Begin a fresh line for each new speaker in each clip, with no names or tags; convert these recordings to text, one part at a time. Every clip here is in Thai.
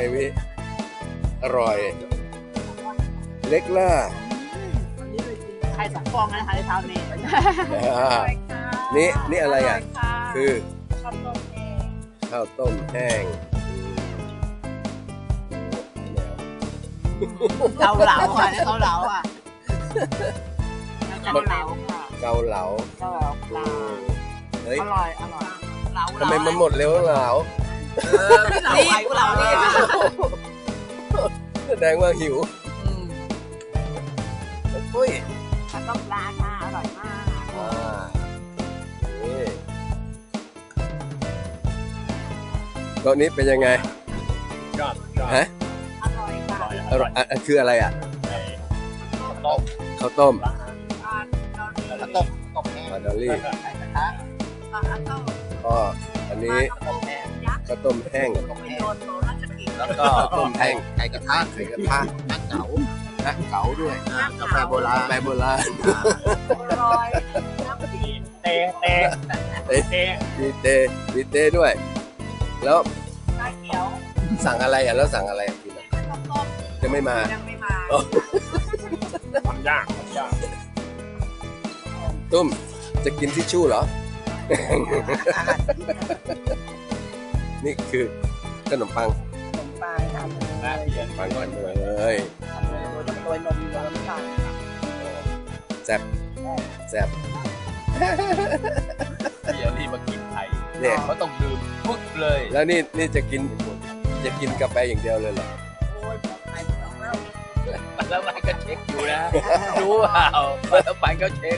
วิอร่อยเล็กล่ะ
ไข่2 ฟองนะคะในเช้านี้
นี่อะไรอ่ะคือ
ข้าวต้มแห้ง
ข้าวต้มแห้ง
เกาเหลาค่ะเกาเหลาค่ะเกาเหลาค่ะ
เกาเหลา
เกาเหลาปลา
เฮ้ย
อร่อยเหลา
ทำไมมันหมดเร็วเหลา
ไม่เหลาไข่กูเหลานี่
แสดงว่าหิวอุ้ย
ข้าวต้มปลาค่ะอร่อยมาก
นี่โต๊ะนี้เป็นยังไง
ชอบ
ฮะ
อร่อยค่ะ
อร่อยคืออะไรอ่ะ
ต้ม
ข้าวต้ม
ข้าวต้มแห้ง
มาดอลลี่
ไข่กระทะข้าวต้ม
ก็อันนี้
ยักษ์
ข้าวต้มแห้ง
ไม่โดนโดนราชกิจ
แล้วก็
ข้าวต้มแห้ง
ไข่กระทะไข่กระทะน้ำเก๋า
และเก๋าด้วย
กาแฟโบราณ
แปโบราณ
อร่อยน้ำกิน
เตะเตะเตะ
มีเต้ด้วย แล้ว
ชาเขียว
สั่งอะไรอ่ะแล้วสั่งอะไรอ่ะกินอ่ะ
ข้าวต้ม
จะไม่มา
ยังไม่มา
ทำยาก
ตุ้มจะกินทิชชู่เหรอ นี่คือขนมปัง
ขนมปังทำเลย
ปังกันเลย
ทำเลยโดยนมโดยน้ำตาล
แซ่บแซ่บ
เดี๋ยวนี่มากินไทย
เนี่ย
เขาต้องดื่มปึ๊กเลย
แล้วนี่จะกินกาแฟอย่างเดียวเลยเหรอ
โอ้ยไข่สองแล้ว
แล้วมันก็เช็คอยู่นะรู้เปล่าแล้วมันก็เช็ค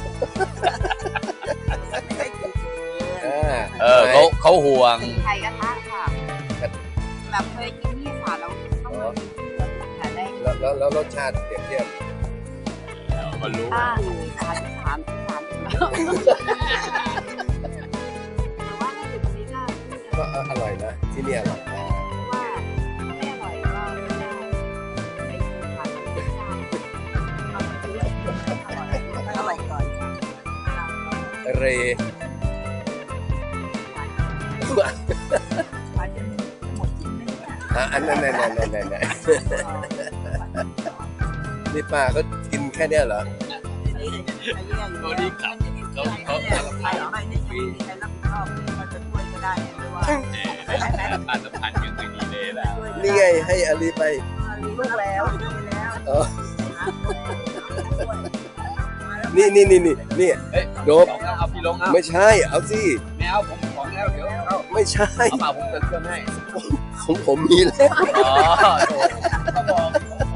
ไม่ได้กิน
เขาห่วง
ไข่กระทะค่ะแบบเคยกินที่สาแล้วต้องมากินค่ะได้
แล้วรสชาติเปรียบเทียบ
มันรู้
ที่สามแต่ว่าถ้าอยู่ตรงนี้ก็
ก็อร่อยนะที่นี่อร่อย
ว่าไม่อร่อยก็ไม่ได้ไปกินค่ะอร่อยก่อน
เร อันนั้นนี่ป้าเขากินแค่เนี้ยเหรอ
ตัวนี้ขับเขา
ใครไม่ได้ยินใครรับผิดชอบเขาจะช่วยก็ได้หรือว่า
ผ่านสะพานยังไม่ดีเลยแล้ว
นี่ไงให้อาลีไป
ลูกแล้ว
อ๋อนี่โดบ
เอาพี่ลงเอา
ไม่ใช่เอาสิ
แมวผมของแล้วเดี๋ยวเอา
ไม่ใช่
เปล่าผมเติมเครื่องให้
ของผมมีแล้ว
อ๋อเขาบอก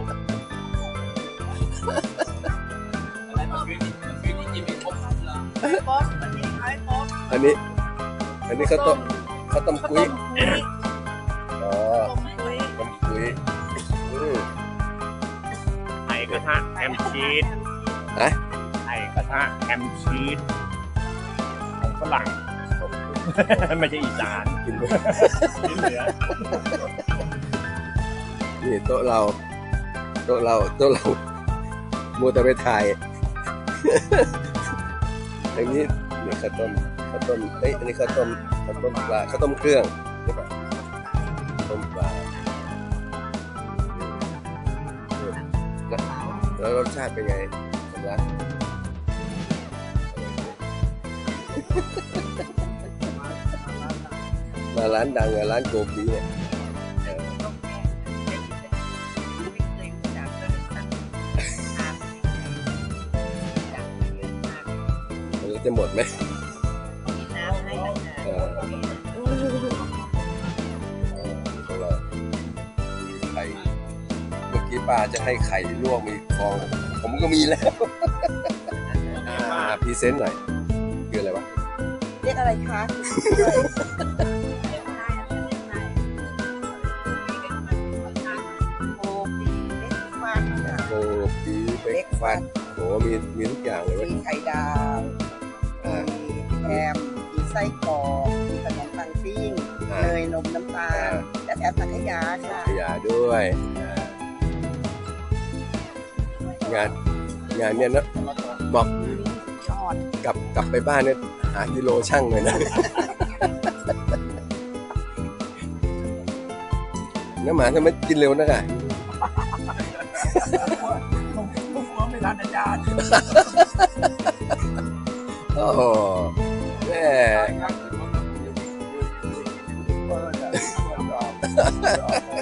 อะไรมันคือที่กินไม่ครบเหรอ
ป๊อปวันนี้ไอ้ป๊อป
อันนี้ข้าวต้มกุ้ยอ๋อ
ต้มกุ้ย
ต้มกุ้ย
ไข่กระทะแฮมชีส
ฮะ
ไข่กระทะแฮมชีสของฝรั่งไม่ใช่อีสาน
กิน
ที่เหลือ
นี่โต๊ะเรามัวแต่ไปถ่ายอย่างนี้นี่ข้าวต้มเอ้ยอันนี้ข้าวต้มปลาข้าวต้มเครื่องใช่ปะต้มปลาแล้วรสชาติเป็นไงสำลักมาร้านดังอะร้านโกบีเนี่ยมันจะหมดไหมของเรามีไข่เมื่อกี้ป้าจะให้ไข่ลวกมีฟองผมก็มีแล้วพรีเซนต์หน่อยคืออะไรวะ
เรียกอะไรคะ โ
โกบีเบรกฟัสโหมีทุกอย่างเลยเว้ย
มีไข่ดาว
อ่า
มีแฮมมีไส้กรอกมีขนมปังปิ้งเนยนมน้ำตาลและแถมสังขยาค่ะ
ขยะด้วยงานเนี่ยนะบอก
ชอด
กลับไปบ้านเนี่ยหากิโลช่างเลยนะน้าหมาทำไมกินเร็วนักอ่ะ
ผมกลัวไม่ทันอาจารย์
โอ้โหแม่
เ